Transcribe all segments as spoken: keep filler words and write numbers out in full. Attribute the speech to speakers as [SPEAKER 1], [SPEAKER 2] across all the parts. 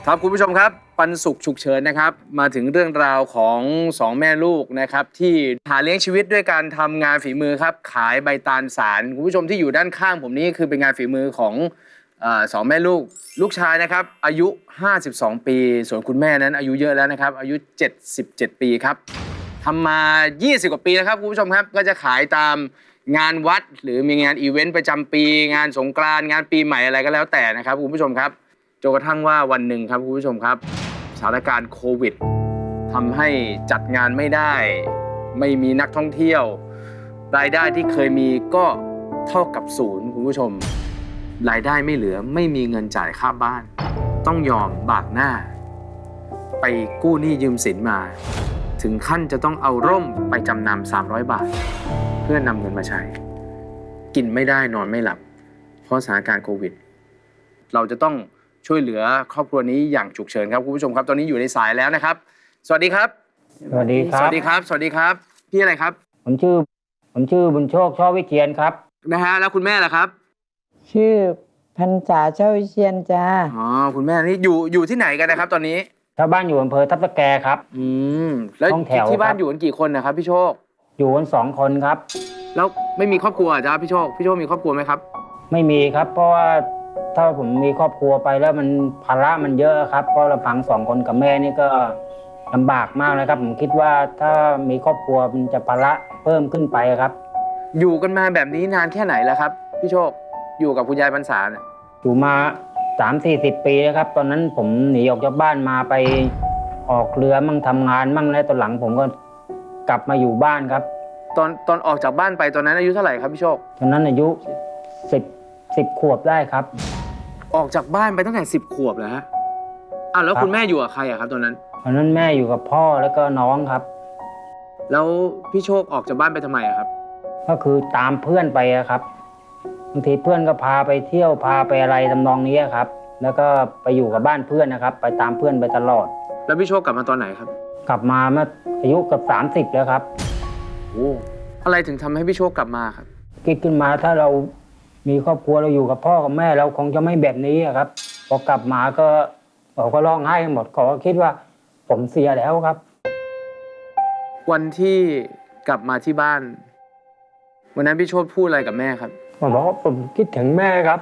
[SPEAKER 1] ครับคุณผู้ชมครับปันสุขฉุกเฉินนะครับมาถึงเรื่องราวของสองแม่ลูกนะครับที่หาเลี้ยงชีวิตด้วยการทำงานฝีมือครับขายใบตาลสารคุณผู้ชมที่อยู่ด้านข้างผมนี้คือเป็นงานฝีมือของอ่าสองแม่ลูกลูกชายนะครับอายุห้าสิบสองปีส่วนคุณแม่นั้นอายุเยอะแล้วนะครับอายุเจ็ดสิบเจ็ดปีครับทำมายี่สิบกว่าปีแล้วครับคุณผู้ชมครับก็จะขายตามงานวัดหรือมีงานอีเวนต์ประจำปีงานสงกรานต์งานปีใหม่อะไรก็แล้วแต่นะครับคุณผู้ชมครับจนกระทั่งว่าวันหนึ่งครับคุณผู้ชมครับสถานการณ์โควิดทำให้จัดงานไม่ได้ไม่มีนักท่องเที่ยวรายได้ที่เคยมีก็เท่ากับศูนย์คุณผู้ชมรายได้ไม่เหลือไม่มีเงินจ่ายค่าบ้านต้องยอมบากหน้าไปกู้หนี้ยืมสินมาถึงขั้นจะต้องเอาร่มไปจำนำสามร้อยบาทเพื่อนำเงินมาใช้กินไม่ได้นอนไม่หลับเพราะสถานการณ์โควิดเราจะต้องช่วยเหลือครอบครัวนี้อย่างฉุกเฉินครับคุณผู้ชมครับตอนนี้อยู่ในสายแล้วนะครับสวัสดีครับ
[SPEAKER 2] สวัสดีครับ
[SPEAKER 1] สวัสดีครับสวัสดีครับพี่อะไรครับ
[SPEAKER 2] ผมชื่อผมชื่อบุญโชคช่อวิเชียนครับ
[SPEAKER 1] นะฮะแล้วคุณแม่ล่ะครับ
[SPEAKER 3] ชื่อพรรษาเช่าวิเชียนจ้า
[SPEAKER 1] อ๋อคุณแม่นี่อยู่อยู่ที่ไหนกันนะครับตอนนี้
[SPEAKER 2] ชาวบ้านอยู่อำเภอทับตะแกครับ
[SPEAKER 1] อืมแล้วที่บ้านอยู่กันกี่คนนะครับพี่โชค
[SPEAKER 2] อยู่กันสองคนครับ
[SPEAKER 1] แล้วไม่มีครอบครัวจ้าพี่โชคพี่โชคมีครอบครัวไหมครับ
[SPEAKER 2] ไม่มีครับเพราะว่าถ้าผมมีครอบครัวไปแล้วมันภาระมันเยอะครับเพราะลำพังสองคนกับแม่นี่ก็ลำบากมากนะครับผมคิดว่าถ้ามีครอบครัวมันจะภาระเพิ่มขึ้นไปครับ
[SPEAKER 1] อยู่กันมาแบบนี้นานแค่ไหนแล้วครับพี่โชคอยู่กับคุณยายพรรษาเนี่ย
[SPEAKER 2] อยู่มาสามสี่สิบปีแล้วครับตอนนั้นผมหนีออกจากบ้านมาไปออกเรือมั่งทำงานมั่งแล้วตอนหลังผมก็กลับมาอยู่บ้านครับ
[SPEAKER 1] ตอนตอนออกจากบ้านไปตอนนั้นอายุเท่าไหร่ครับพี่โชค
[SPEAKER 2] ตอนนั้นอายุสิบสิบขวบได้ครับ
[SPEAKER 1] ออกจากบ้านไปตั้งแต่สิบขวบแล้วฮะอ้าวแล้วคุณแม่อยู่กับใครอะครับตอนนั้น
[SPEAKER 2] ตอนนั้นแม่อยู่กับพ่อแล้วก็น้องครับ
[SPEAKER 1] แล้วพี่โชคออกจากบ้านไปทำไมอะครับ
[SPEAKER 2] ก็คือตามเพื่อนไปครับบางทีเพื่อนก็พาไปเที่ยวพาไปอะไรทำนองนี้ครับแล้วก็ไปอยู่กับบ้านเพื่อนนะครับไปตามเพื่อนไปตลอด
[SPEAKER 1] แล้วพี่โชคกลับมาตอนไหนครับ
[SPEAKER 2] กลับมาเมื่ออายุเกือบสามสิบแล้วครับ
[SPEAKER 1] โอ้อะไรถึงทำให้พี่โชคกลับมาครับ
[SPEAKER 2] คิดขึ้นมาถ้าเรามีครอบครัวเราอยู่กับพ่อกับแม่เราคงจะไม่แบบนี้ครับพอกลับมาก็เขาก็ร้องไห้หมดเขาก็คิดว่าผมเสียแล้วครับ
[SPEAKER 1] วันที่กลับมาที่บ้านวันนั้นพี่โชคพูดอะไรกับแม่ครับ
[SPEAKER 2] ผมบอกว่าผมคิดถึงแม่ครับ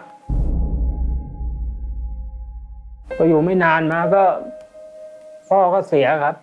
[SPEAKER 2] พออยู่ไม่นานมาก็พ่อก็เสียครับ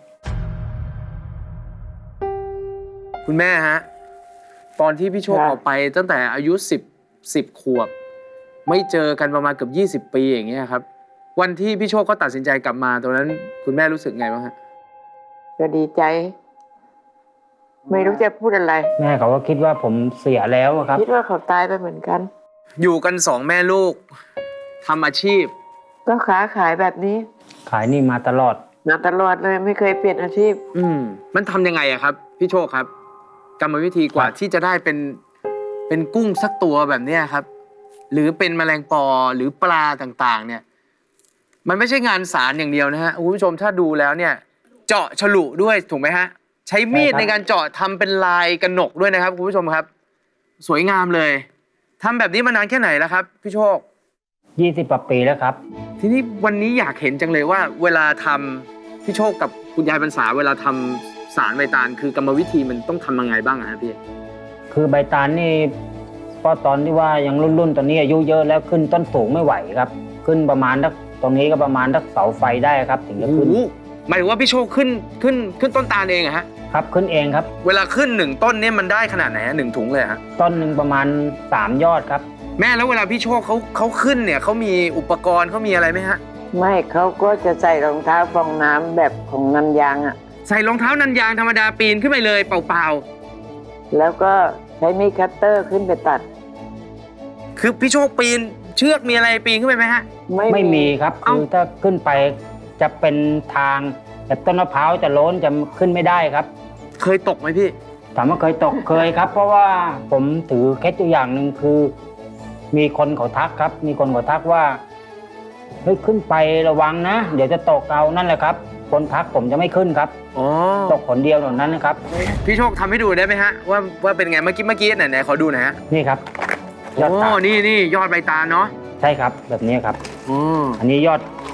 [SPEAKER 1] คุณแม่ฮะตอนที่พี่โชคออกไปตั้งแต่อายุสิบสิบขวบไม่เจอกันประมาณเกือบยี่สิบปีอย่างเงี้ยครับวันที่พี่โชคเขาตัดสินใจกลับมาตอนนั้นคุณแม่รู้สึกไงบ้างฮะ
[SPEAKER 3] ก็ดีใจไม่รู้จะพูดอะไร
[SPEAKER 2] แม่เขาก็คิดว่าผมเสียแล้วครับ
[SPEAKER 3] คิดว่าเขาตายไปเหมือนกัน
[SPEAKER 1] อยู่กันสองแม่ลูกทำอาชีพ
[SPEAKER 3] ก็ค้าขายแบบนี้
[SPEAKER 2] ขายนี่มาตลอด
[SPEAKER 3] มาตลอดเลยไม่เคยเปลี่ยนอาชีพ
[SPEAKER 1] อืมมันทำยังไงอะครับพี่โชคครับกรรมวิธีกว่าที่จะได้เป็นเป็นกุ้งสักตัวแบบนี้ครับหรือเป็นแมลงปอหรือปลาต่างๆเนี่ยมันไม่ใช่งานสารอย่างเดียวนะฮะคุณผู้ชมถ้าดูแล้วเนี่ยเจาะฉลุด้วยถูกไหมฮะใช้มีดในการเจาะทำเป็นลายกระหนกด้วยนะครับคุณผู้ชมครับสวยงามเลยทำแบบนี้มานานแค่ไหนแล้วครับพี่โชค
[SPEAKER 2] ยี่สิบกว่าปีแล้วครับ
[SPEAKER 1] ทีนี้วันนี้อยากเห็นจังเลยว่าเวลาทำพี่โชคกับคุณยายพรรษาเวลาทำสารใบตาลคือกรรมวิธีมันต้องทำยังไงบ้างอะพี่
[SPEAKER 2] คือใบตาลนี่พอตอนที่ว่ายังรุ่นๆตอนนี้อายุเยอะแล้วขึ้นต้นสูงไม่ไหวครับขึ้นประมาณสักตรงนี้ก็ประมาณสักเสาไฟได้ครับถึงจะขึ้น
[SPEAKER 1] หมายถึงว่าพี่โชคขึ้นขึ้นขึ้นต้นตาลเองอะฮะ
[SPEAKER 2] ครับขึ้นเองครับ
[SPEAKER 1] เวลาขึ้นหนึ่งต้นเนี่ยมันได้ขนาดไหนหนึ่งถุงเลยฮะ
[SPEAKER 2] ต้นหนึ่งประมาณสามยอดครับ
[SPEAKER 1] แม่แล้วเวลาพี่โชคเขาเขาขึ้นเนี่ยเขามีอุปกรณ์เขามีอะไรไหมฮะ
[SPEAKER 3] ไม่เขาก็จะใส่รองเท้าฟองน้ำแบบของนันยางอ่ะ
[SPEAKER 1] ใส่รองเท้านันยางธรรมดาปีนขึ้นไปเลยเปล่า
[SPEAKER 3] ๆแล้วก็ใช้มีดคัตเตอร์ขึ้นไปตัด
[SPEAKER 1] คือพี่โชคปีนเชือกมีอะไรปีนขึ้นไปไหมฮะ
[SPEAKER 2] ไม่ไม่มีครับคือถ้าขึ้นไปจะเป็นทางแต่ต้นมะพร้าวจะโล้นจะขึ้นไม่ได้ครับ
[SPEAKER 1] เคยตกไหมพี่
[SPEAKER 2] ถามว่าเคยตก เคยครับเพราะว่าผมถือเคล็ดตัวอย่างหนึ่งคือมีคนเขาทักครับมีคนเขาทักว่าเฮ้ยขึ้นไประวังนะเดี๋ยวจะตกเอานั่นแหละครับคนทักผมจะไม่ขึ้นครับ
[SPEAKER 1] อ๋อ
[SPEAKER 2] ตกคนเดียวเท่านั้นนะครับ
[SPEAKER 1] พี่โชคทำให้ดูได้ไหมฮะว่าว่าเป็นไงเมื่อกี้เมื่อกี้ไหนไหนขอดูหน่อยฮะ
[SPEAKER 2] นี่ครับ
[SPEAKER 1] ยอดตาลนี่นี่ยอดใบตาลเนาะ
[SPEAKER 2] ใช่ครับแบบนี้ครับอ๋ออันนี้ยอด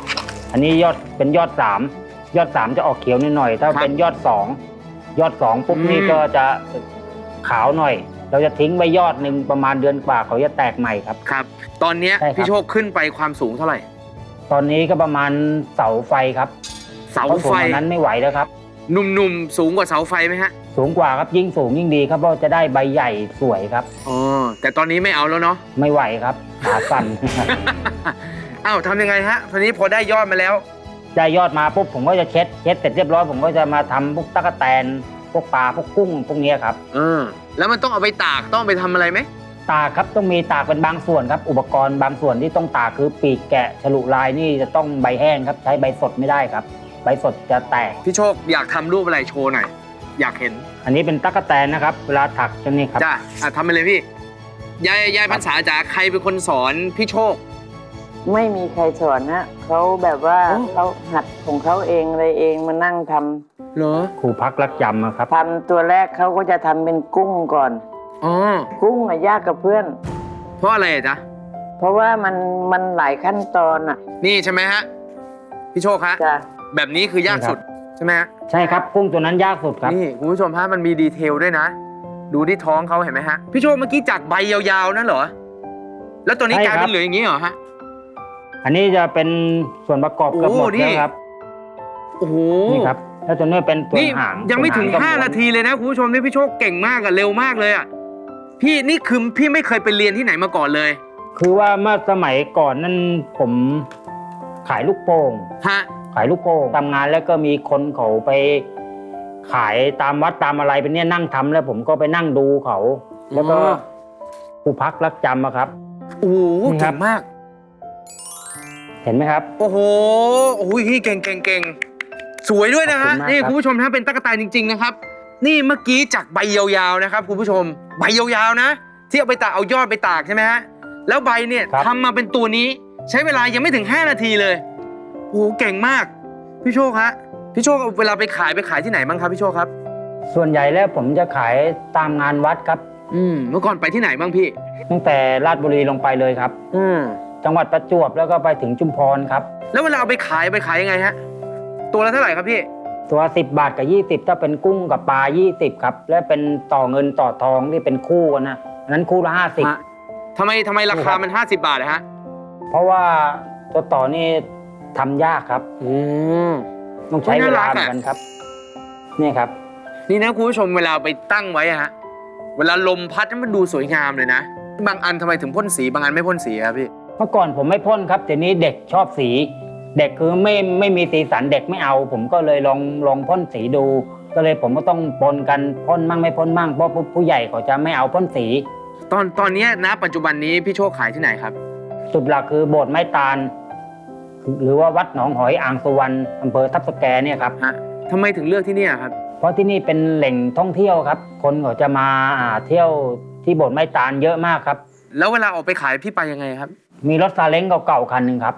[SPEAKER 2] อันนี้ยอดเป็นยอดสามยอดสามจะออกเขียวนิดหน่อย ถ้า
[SPEAKER 1] ครับ
[SPEAKER 2] เป็นยอดสองยอดสองปุ๊บ
[SPEAKER 1] อืม
[SPEAKER 2] นี่ก็จะขาวหน่อย เราจะทิ้งไว้ยอดหนึ่งประมาณเดือนกว่าเขาจะแตกใหม่ครับ
[SPEAKER 1] ครับ ตอนเนี้ย
[SPEAKER 2] ใช่ครับ
[SPEAKER 1] พี่โชคขึ้นไปความสูงเท่าไหร่
[SPEAKER 2] ตอนนี้ก็ประมาณเสาไฟครับ
[SPEAKER 1] เสา
[SPEAKER 2] เพราะสู
[SPEAKER 1] ไฟ
[SPEAKER 2] งกว่านั้นไม่ไหวแล้วครับ
[SPEAKER 1] หนุ่มๆสูงกว่าเสาไฟไหมฮะ
[SPEAKER 2] สูงกว่าครับยิ่งสูงยิ่งดีครับเพราะจะได้ใบใหญ่สวยครับ
[SPEAKER 1] อ๋อแต่ตอนนี้ไม่เอาแล้วเนาะ
[SPEAKER 2] ไม่ไหวครับขาสั่น
[SPEAKER 1] อ้าวทำยังไงฮะทีนี้พอได้ยอดมาแล้ว
[SPEAKER 2] ได้ยอดมาปุ๊บผมก็จะเช็ดเช็ดเสร็จเรียบร้อยผมก็จะมาทำพวกตั๊กแตนพวกปลาพวกกุ้งพวกเนี้ยครับ
[SPEAKER 1] เออแล้วมันต้องเอาไปตากต้องไปทำอะไรไหม
[SPEAKER 2] ตากครับต้องมีตากเป็นบางส่วนครับ อุปกรณ์บางส่วนที่ต้องตากคือปีกแกะฉลุลายนี่จะต้องใบแห้งครับใช้ใบสดไม่ได้ครับ ใบสดจะแตก
[SPEAKER 1] พี่โชคอยากทำรูปอะไรโชว์หน่อยอยากเห็น
[SPEAKER 2] อันนี้เป็นตั๊กแตนนะครับ เวลาถักจะนี่ครับ
[SPEAKER 1] จ้าอ่ะทำไปเลยพี่ยายยายพรรษาจ๋าใครเป็นคนสอนพี่โชค
[SPEAKER 3] ไม่มีใครสอนนะเขาแบบว่า
[SPEAKER 1] โอ้
[SPEAKER 3] เขาหัดของเขาเองอะไรเองมานั่งทำ
[SPEAKER 1] เหรอ
[SPEAKER 2] ครูพักรักจำอะครับ
[SPEAKER 3] ทำตัวแรกเขาก็จะทำเป็นกุ้งก่อน
[SPEAKER 1] อ๋อ
[SPEAKER 3] กุ้งอะยากกับเพื่อน
[SPEAKER 1] เพราะอะไรอะจ๊ะ
[SPEAKER 3] เพราะว่ามันมันหลายขั้นตอนอ่ะ
[SPEAKER 1] นี่ใช่ไหมฮะพี่โชคฮะ
[SPEAKER 3] จ้ะ
[SPEAKER 1] แบบนี้คือยาก
[SPEAKER 2] นี่ครับ
[SPEAKER 1] สุดใช่ไหมฮะ
[SPEAKER 2] ใช่ครับกุ้งตัวนั้นยากสุดครับ
[SPEAKER 1] นี่คุณผู้ชมฮะมันมีดีเทลด้วยนะ ดูที่ท้องเขาเห็นไหมฮะพี่โชคเมื่อกี้จากใบยาวๆนั่นเหรอแล้วตัวนี้
[SPEAKER 2] ใช่
[SPEAKER 1] กลาย
[SPEAKER 2] ครั
[SPEAKER 1] เป็
[SPEAKER 2] บ
[SPEAKER 1] นเหลืออย่างนี้เหรอฮะ
[SPEAKER 2] อันนี้จะเป็นส่วนประกอบเกือบหมด
[SPEAKER 1] โอ้นี่
[SPEAKER 2] แล้วครับ
[SPEAKER 1] โอ้โห
[SPEAKER 2] นี่ครับแล้วตัวนี้เป็นตัว
[SPEAKER 1] นี่
[SPEAKER 2] หาง
[SPEAKER 1] ยังไม่ถึง
[SPEAKER 2] ตัว
[SPEAKER 1] ห้า
[SPEAKER 2] กับ
[SPEAKER 1] นาทีเลยนะคุณผู้ชมนี่พี่โชคเก่งมากอะเร็วมากเลยอะพี่นี่คือพี่ไม่เคยไปเรียนที่ไหนมาก่อนเลย
[SPEAKER 2] คือว่าเมื่อสมัยก่อนนั้นผมขายลูกโป่ง
[SPEAKER 1] ฮะ
[SPEAKER 2] ขายลูกโป่งทำงานแล้วก็มีคนเขาไปขายตามวัดตามอะไรเป็นเนี่ยนั่งทำแล้วผมก็ไปนั่งดูเขา แล้วก็
[SPEAKER 1] อ๋อ
[SPEAKER 2] ครูพักรักจำอะครับ
[SPEAKER 1] โอ้โห
[SPEAKER 2] นี่ครั
[SPEAKER 1] เก่
[SPEAKER 2] บ
[SPEAKER 1] งมาก
[SPEAKER 2] เห็นไหมครับ
[SPEAKER 1] โอ้โหโอ้ยเก่งเก่งเก่งสวยด้วยนะฮะ
[SPEAKER 2] ขอบคุณมาก
[SPEAKER 1] นี่
[SPEAKER 2] ครับ
[SPEAKER 1] คุณผู้ชมถ้าเป็นตั๊กแตนจริง ๆนะครับ นี่เมื่อกี้จากใบยาวๆนะครับคุณผู้ชมใบยาวๆนะ ที่เอาไปตากเอายอดไปตากใช่ไหมฮะแล้วใบเนี่ยทำมาเป็นตัวนี้ใช้เวลายังไม่ถึงห้านาทีเลยโอ้โหเก่งมากพี่โชคฮะพี่โชคเอาเวลาไปขายไปขายที่ไหนบ้างครับพี่โชคครับ
[SPEAKER 2] ส่วนใหญ่แล้วผมจะขายตามงานวัดครับ
[SPEAKER 1] อืมเมื่อก่อนไปที่ไหนบ้างพี่
[SPEAKER 2] ตั้งแต่ราชบุรีลงไปเลยครับ
[SPEAKER 1] อืม
[SPEAKER 2] จังหวัดประจวบแล้วก็ไปถึงชุมพรครับ
[SPEAKER 1] แล้วเวลาเอาไปขายไปขายยังไงฮะตัวละเท่าไหร่ครับพี่
[SPEAKER 2] ตัวสิบบาทกับยี่สิบถ้าเป็นกุ้งกับปลายี่สิบครับและเป็นต่อเงินต่อทองที่เป็นคู่กันนะอันนั้นคู่ละห้าสิบ
[SPEAKER 1] ฮะทำไมทำไมราคามันห้าสิบบาทอะฮะ
[SPEAKER 2] เพราะว่าตัวต่อนี่ทำยากครับ
[SPEAKER 1] อืม
[SPEAKER 2] ต้องใช้
[SPEAKER 1] โอ้ย
[SPEAKER 2] เว
[SPEAKER 1] น่ารั
[SPEAKER 2] ลาก เหมือ
[SPEAKER 1] อะ
[SPEAKER 2] นกันครับนี่ครับ
[SPEAKER 1] นี่นะคุณผู้ชมเวลาไปตั้งไว้อะฮะเวลาลมพัดมันดูสวยงามเลยนะบางอันทำไมถึงพ่นสีบางอันไม่พ่นสีครับพี่
[SPEAKER 2] เมื่อก่อนผมไม่พ่นครับแต่นี้เด็กชอบสี เด็กคือไม่ไม่มีสีสันเด็กไม่เอา ผมก็เลยลองลองพ่นสีดู ก็เลยผมก็ต้องปนกันพ่นมั่งไม่พ่นมั่งเพราะผู้ผู้ใหญ่เขาจะไม่เอาพ่นสี
[SPEAKER 1] ตอนตอนเนี้ยนะปัจจุบันนี้พี่โชคขายที่ไหนครับ
[SPEAKER 2] จุดหลักคือโบสถ์ไม้ตาล หรือว่าวัดหนองหอยอ่างสุวรรณอำเภอทับสแกเนี่ยครับ
[SPEAKER 1] ฮะทำไมถึงเลือกที่เนี่ยครับ
[SPEAKER 2] เพราะที่นี่เป็นแหล่งท่องเที่ยวครับ คนเขาจะมาอ่าเที่ยวที่โบสถ์ไม้ตาลเยอะมากครับ
[SPEAKER 1] แล้วเวลาออกไปขายพี่ไปยังไงครับ
[SPEAKER 2] มีรถซาเล้งเก่าๆคันหนึ่งครับ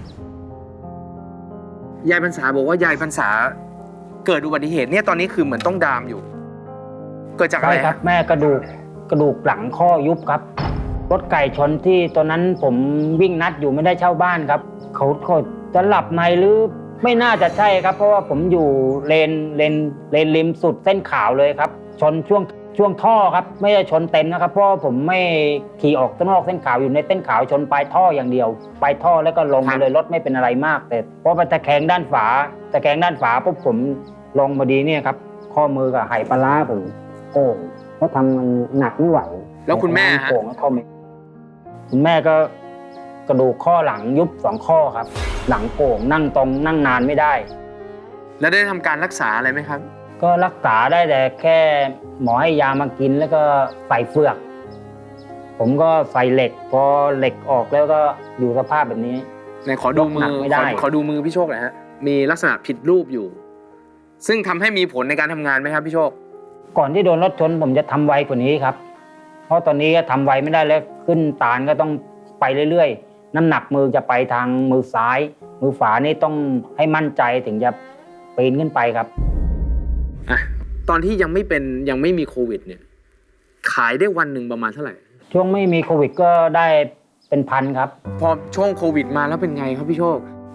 [SPEAKER 1] ยายพรรษาบอกว่ายายพรรษาเกิดอุบัติเหตุเนี่ยตอนนี้คือเหมือนต้องดามอยู่ เกิดจากอะ
[SPEAKER 2] ใช่
[SPEAKER 1] ไร
[SPEAKER 2] ครับ แม่กระดูกกระดูกหลังข้อยุบครับ รถไก่ชนที่ตอนนั้นผมวิ่งนัดอยู่ไม่ได้เช่าบ้านครับ เขาเขาจะหลับในหรือไม่น่าจะใช่ครับ เพราะว่าผมอยู่เลนเลนเลนริมสุดเส้นขาวเลยครับ ชนช่วงช่วงท่อครับ ไม่ได้ชนเต็มนะครับ เพราะว่าผมไม่ขี่ออกนอกเส้นขาวอยู่ในเส้นขาวชนปลายท่ออย่างเดียวปลายท่อแล้วก็ลงมาเลยรถไม่เป็นอะไรมาก แต่พอไปตะแคงด้านฝาตะแคงด้านฝาปุ๊บผมลงพอดีเนี่ยครับ ข้อมือกับไหปลาร้าผมโอ้เพราะทำมันหนักไม่ไหว
[SPEAKER 1] แล้วคุณแม่ฮะ
[SPEAKER 2] โป่งแล้วเข้าไม่คุณแม่ก็กระดูกข้อหลังยุบสองข้อครับ หลังโป่งนั่งตรงนั่งนานไม่ได้
[SPEAKER 1] แล้วได้ทำการรักษาอะไรไหมครับ
[SPEAKER 2] ก็รักษาได้แต่แค่หมอให้ยามากินแล้วก็ใส่เฟือก ผมก็ใส่เหล็ก พอเหล็กออกแล้วก็อยู่สภาพแบบนี้
[SPEAKER 1] ไหนขอดูมื
[SPEAKER 2] ยกหนั
[SPEAKER 1] อก
[SPEAKER 2] ไม่ได้
[SPEAKER 1] ขอขอดูมือพี่โชคหน่อยฮะ มีลักษณะผิดรูปอยู่ ซึ่งทำให้มีผลในการทำงานไหมครับพี่โชค
[SPEAKER 2] ก่อนที่โดนรถชนผมจะทำไวกว่านี้ครับ เพราะตอนนี้ก็ทำไวไม่ได้แล้วขึ้นตาลก็ต้องไปเรื่อยๆ น้ำหนักมือจะไปทางมือซ้าย มือขวานี่ต้องให้มั่นใจถึงจะปีนขึ้นไปครับ
[SPEAKER 1] อ่ะ ตอนที่ยังไม่เป็นยังไม่มีโควิดเนี่ย ขายได้วันหนึ่งประมาณเท่าไหร่
[SPEAKER 2] ช่วงไม่มีโควิดก็ได้เป็นพันครับ
[SPEAKER 1] พอช่วงโควิดมาแล้วเป็นไงครับพี่โชค
[SPEAKER 2] ก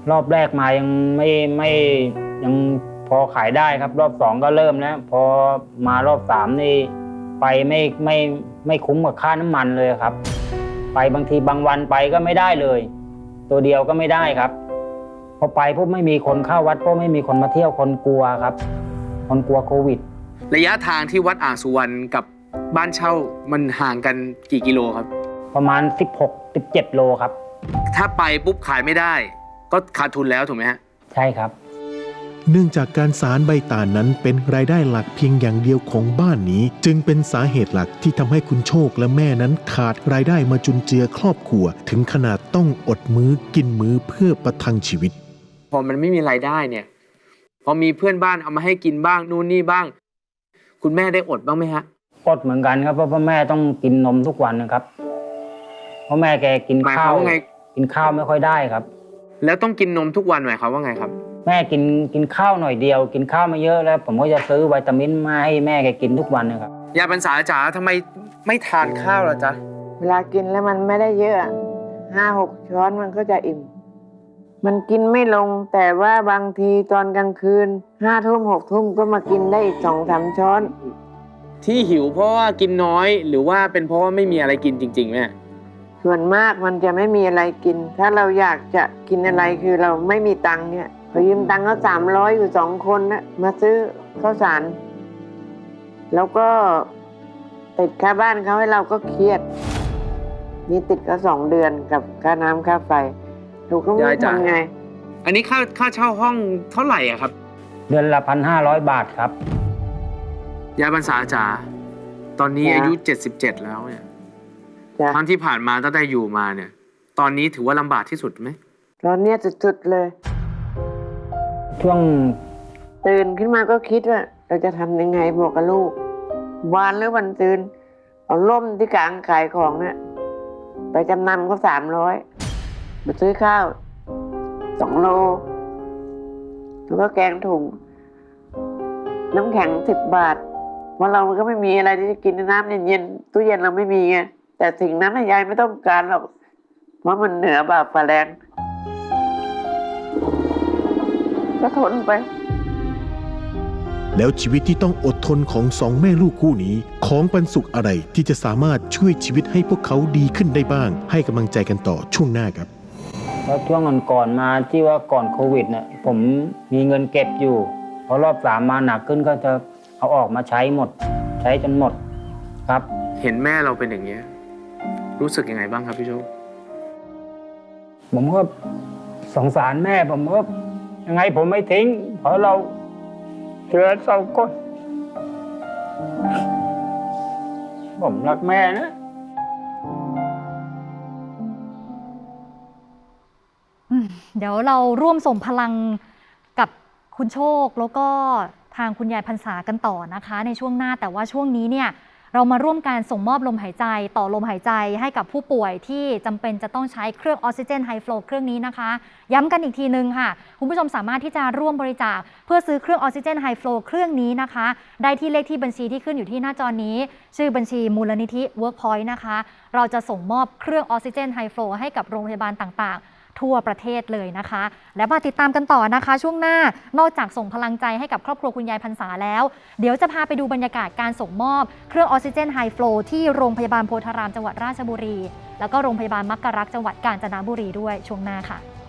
[SPEAKER 2] รอบแรกมายังไม่ไม่ยังพอขายได้ครับ รอบสองก็เริ่มแล้วพอมารอบสามนี่ไปไม่ไม่ไม่คุ้มกับค่าน้ำมันเลยครับ ไปบางทีบางวันไปก็ไม่ได้เลย ตัวเดียวก็ไม่ได้ครับ พอไปพวกไม่มีคนเข้าวัดพวกไม่มีคนมาเที่ยวคนกลัวครับ คนกลัวโควิด
[SPEAKER 1] ระยะทางที่วัดอ่างสุวรรณกับบ้านเช่ามันห่างกันกี่กิโลครับ
[SPEAKER 2] ประมาณ สิบหก สิบเจ็ด โลครับ
[SPEAKER 1] ถ้าไปปุ๊บขายไม่ได้ ก็ขาดทุนแล้วถูกไหมฮะ
[SPEAKER 2] ใช่ครับ
[SPEAKER 4] เนื่องจากการสารใบตาลนั้นเป็นรายได้หลักเพียงอย่างเดียวของบ้านนี้ จึงเป็นสาเหตุหลักที่ทำให้คุณโชคและแม่นั้นขาดรายได้มาจุนเจือครอบครัว ถึงขนาดต้องอดมื้อกินมื้อเพื่อประทังชีวิต
[SPEAKER 1] พอมันไม่มีรายได้เนี่ยพอมีเพื่อนบ้านเอามาให้กินบ้างนู่นนี่บ้าง คุณแม่ได้อดบ้างไหมฮะ
[SPEAKER 2] อดเหมือนกันครับเพราะพ่อแม่ต้องกินนมทุกวันนะครับเพราะแม่แกกิน
[SPEAKER 1] หมายค
[SPEAKER 2] ข้าว
[SPEAKER 1] าว มว่าไง
[SPEAKER 2] กินข้าวไม่ค่อยได้ครับ
[SPEAKER 1] แล้วต้องกินนมทุกวันหมายความว่าไงครับ
[SPEAKER 2] แม่กินกินข้าวหน่อยเดียว กินข้าวไม่เยอะแล้ว ผมก็จะซื้อวิตามินมาให้แม่แกกินทุกวันนะครับ
[SPEAKER 1] ยายบรรษาจ๋าทำไมไม่ทานข้าวล่ะจ๊ะ
[SPEAKER 3] เวลากินแล้วมันไม่ได้เยอะห้าหกช้อนมันก็จะอิ่ม มันกินไม่ลงแต่ว่าบางทีตอนกลางคืนห้าทุ่มหกทุ่มก็มากินได้อีกสองสามช้อน
[SPEAKER 1] ที่หิวเพราะว่ากินน้อยหรือว่าเป็นเพราะว่าไม่มีอะไรกินจริงๆแม่
[SPEAKER 3] ส่วนมากมันจะไม่มีอะไรกิน ถ้าเราอยากจะกินอะไรคือเราไม่มีตังค์เนี่ยพอยืมตังค์เขาสามร้อยอยู่สองคนนะมาซื้อข้าวสาร แล้วก็ติดค่าบ้านเขาให้เราก็เครียด นี่ติดก็สองเดือนกับค่าน้ำค่าไฟเราก็ไม่
[SPEAKER 1] ยายจ๋า
[SPEAKER 3] ทำไง
[SPEAKER 1] อันนี้ค่าค่าเช่าห้องเท่าไหร่อะครับ
[SPEAKER 2] เดือนละพันห้าร้อยบาทครับ
[SPEAKER 1] ยายบรรษาจ๋าตอนนี้
[SPEAKER 3] จ้ะ
[SPEAKER 1] อายุเจ็ดสิบเจ็ดแล้วเนี่ย
[SPEAKER 3] จ้ะ
[SPEAKER 1] ทั้งที่ผ่านมาตั้งแต่อยู่มาเนี่ย ตอนนี้ถือว่าลำบากที่สุดไหม
[SPEAKER 3] ตอนเนี้ยสุดๆเลย
[SPEAKER 2] ช่วง
[SPEAKER 3] ตื่นขึ้นมาก็คิดว่า เราจะทำยังไงบอกกับลูก วานหรือวันตื่นเอาล่มที่กลางขายของเนี่ยไปจำนำก็สามร้อยมาซื้อข้าวสองโลแล้วก็แกงถุง น้ำแข็งสิบบาทเพราะเราก็ไม่มีอะไรที่จะกินน้ำเย็นๆตู้เย็นเราไม่มีไงแต่สิ่งนั้นน่ะยายไม่ต้องการหรอกเพราะมันเหนือบาปฝ่าแรงก็ทนไป
[SPEAKER 4] แล้วชีวิตที่ต้องอดทนของสองแม่ลูกคู่นี้ ของปันสุขอะไรที่จะสามารถช่วยชีวิตให้พวกเขาดีขึ้นได้บ้าง ให้กำลังใจกันต่อช่วงหน้าครับ
[SPEAKER 2] แล้วช่วงก่อนๆมาที่ว่าก่อนโควิดเนี่ยผมมีเงินเก็บอยู่พอรอบสามมาหนักขึ้นก็จะเอาออกมาใช้หมด ใช้จนหมดครับ
[SPEAKER 1] เห็นแม่เราเป็นอย่างนี้ยรู้สึกยังไงบ้างครับพี่โชค
[SPEAKER 2] ผมก็สงสารแม่ผมก็ยังไงผมไม่ทิ้ง เพราะเราเชื่อเศร้าก้นผมรักแม่นะ
[SPEAKER 5] อืมเดี๋ยวเราร่วมส่งพลังกับคุณโชคแล้วก็ทางคุณยายพรรษากันต่อนะคะในช่วงหน้าแต่ว่าช่วงนี้เนี่ยเรามาร่วมการส่งมอบลมหายใจต่อลมหายใจให้กับผู้ป่วยที่จำเป็นจะต้องใช้เครื่องออกซิเจนไฮฟลูเครื่องนี้นะคะย้ำกันอีกทีนึงค่ะคุณผู้ชมสามารถที่จะร่วมบริจาคเพื่อซื้อเครื่องออกซิเจนไฮฟลูเครื่องนี้นะคะได้ที่เลขที่บัญชีที่ขึ้นอยู่ที่หน้าจอนี้ชื่อบัญชีมูลนิธิ Workpoint นะคะเราจะส่งมอบเครื่องออกซิเจนไฮฟลูให้กับโรงพยาบาลต่างๆทั่วประเทศเลยนะคะ และมาติดตามกันต่อนะคะช่วงหน้านอกจากส่งพลังใจให้กับครอบครัวคุณยายพรรษาแล้วเดี๋ยวจะพาไปดูบรรยากาศการส่งมอบเครื่องออกซิเจนไฮฟลูที่โรงพยาบาลโพธารามจังหวัดราชบุรีแล้วก็โรงพยาบาลมักกะรักจังหวัดกาญจนบุรีด้วยช่วงหน้าค่ะ